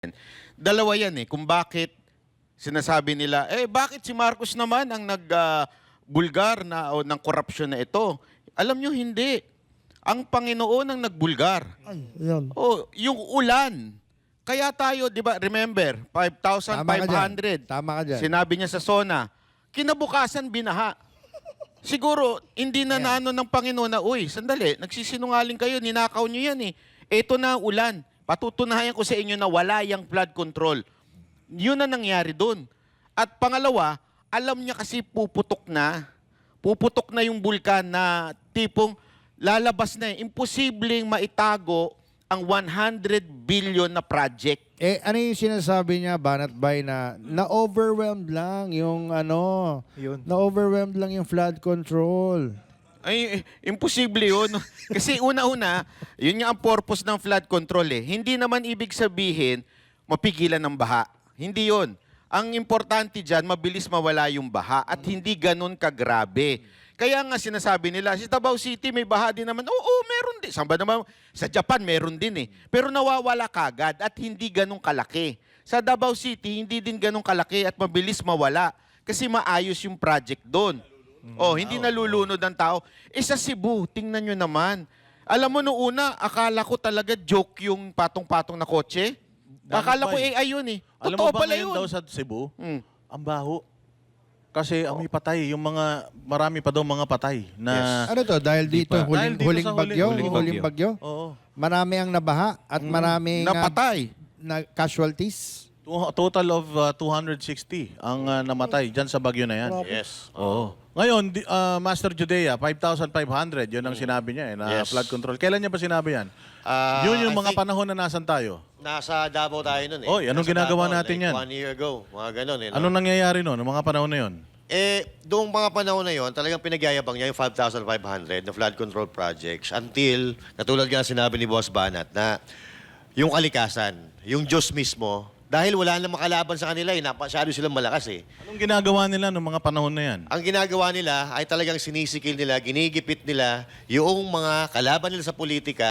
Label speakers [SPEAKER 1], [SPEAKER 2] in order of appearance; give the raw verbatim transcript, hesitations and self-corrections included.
[SPEAKER 1] Dalawa yan eh, kung bakit sinasabi nila, eh bakit si Marcos naman ang nagbulgar na o ng korupsyon na ito? Alam nyo, hindi. Ang Panginoon ang nagbulgar.
[SPEAKER 2] Ay, yun.
[SPEAKER 1] O, yung ulan. Kaya tayo, di ba, remember, five thousand five hundred.
[SPEAKER 2] Tama ka dyan.
[SPEAKER 1] Sinabi niya sa SONA, kinabukasan binaha. Siguro, hindi na
[SPEAKER 2] Ayan.
[SPEAKER 1] naano ng Panginoon na, uy, sandali, nagsisinungaling kayo, ninakaw nyo yan eh. Ito na ang ulan. Patutunayan ko sa inyo na wala yung flood control. Yun na nangyari doon. At pangalawa, alam niya kasi puputok na, puputok na yung bulkan na tipong lalabas na eh. Imposibleng maitago ang one hundred billion na project.
[SPEAKER 2] Eh, ano yung sinasabi niya, Banat Bay, na na-overwhelmed lang yung ano,
[SPEAKER 3] Yun.
[SPEAKER 2] na-overwhelmed lang yung flood control.
[SPEAKER 1] Ay, eh, imposible yun. Kasi una-una, yun nga ang purpose ng flood control eh. Hindi naman ibig sabihin, mapigilan ng baha. Hindi yun. Ang importante dyan, mabilis mawala yung baha at hindi ganun kagrabe. Kaya nga sinasabi nila, sa Davao City may baha din naman. Oo, meron din. Saan ba naman? Sa Japan meron din eh. Pero nawawala kagad at hindi ganun kalaki. Sa Davao City, hindi din ganun kalaki at mabilis mawala. Kasi maayos yung project doon. Oh, hindi nalulunod ang tao. Eh sa Cebu, tingnan nyo naman. Alam mo noong una, akala ko talaga joke yung patong-patong na kotse. Akala ko A I yun eh.
[SPEAKER 3] Alam
[SPEAKER 1] Totoo
[SPEAKER 3] mo ba
[SPEAKER 1] pala
[SPEAKER 3] ngayon
[SPEAKER 1] yun.
[SPEAKER 3] daw sa Cebu,
[SPEAKER 1] Hmm.
[SPEAKER 3] ang baho. Kasi amoy patay. Yung mga, marami pa daw mga patay. Na,
[SPEAKER 2] Ano to? Dahil dito,
[SPEAKER 3] pa.
[SPEAKER 2] huling,
[SPEAKER 3] Dahil dito
[SPEAKER 2] huling
[SPEAKER 3] sa
[SPEAKER 2] bagyo?
[SPEAKER 3] huling-
[SPEAKER 2] Huling,
[SPEAKER 3] huling
[SPEAKER 2] bagyo?
[SPEAKER 3] Oo.
[SPEAKER 2] Marami ang nabaha at maraming ah,
[SPEAKER 1] Napatay.
[SPEAKER 2] na casualties.
[SPEAKER 3] Tu- Total of uh, two hundred sixty ang uh, namatay dyan sa bagyo na yan.
[SPEAKER 4] Yes.
[SPEAKER 3] Oo. Ngayon, di- uh, Master Judea, five thousand five hundred, yun ang sinabi niya eh, na
[SPEAKER 4] Yes.
[SPEAKER 3] flood control. Kailan niya ba sinabi yan?
[SPEAKER 4] Ah,
[SPEAKER 3] yun yung
[SPEAKER 4] I
[SPEAKER 3] mga
[SPEAKER 4] think
[SPEAKER 3] panahon na nasan tayo.
[SPEAKER 4] Nasa Davao tayo nun eh.
[SPEAKER 3] Oy, anong
[SPEAKER 4] Nasa
[SPEAKER 3] ginagawa
[SPEAKER 4] Davao,
[SPEAKER 3] natin
[SPEAKER 4] like
[SPEAKER 3] yan?
[SPEAKER 4] One year ago, mga ganun eh. No?
[SPEAKER 3] Anong nangyayari noon, ng mga panahon na yun?
[SPEAKER 4] Eh, doong mga panahon na yon, talagang pinagyayabang niya yung five thousand five hundred na flood control projects until, katulad nga sinabi ni Boss Banat, na yung kalikasan, yung Diyos mismo, dahil wala na makalaban sa kanila eh, napasyado silang malakas eh.
[SPEAKER 3] Anong ginagawa nila noong mga panahon na yan?
[SPEAKER 4] Ang ginagawa nila ay talagang sinisikil nila, ginigipit nila yung mga kalaban nila sa politika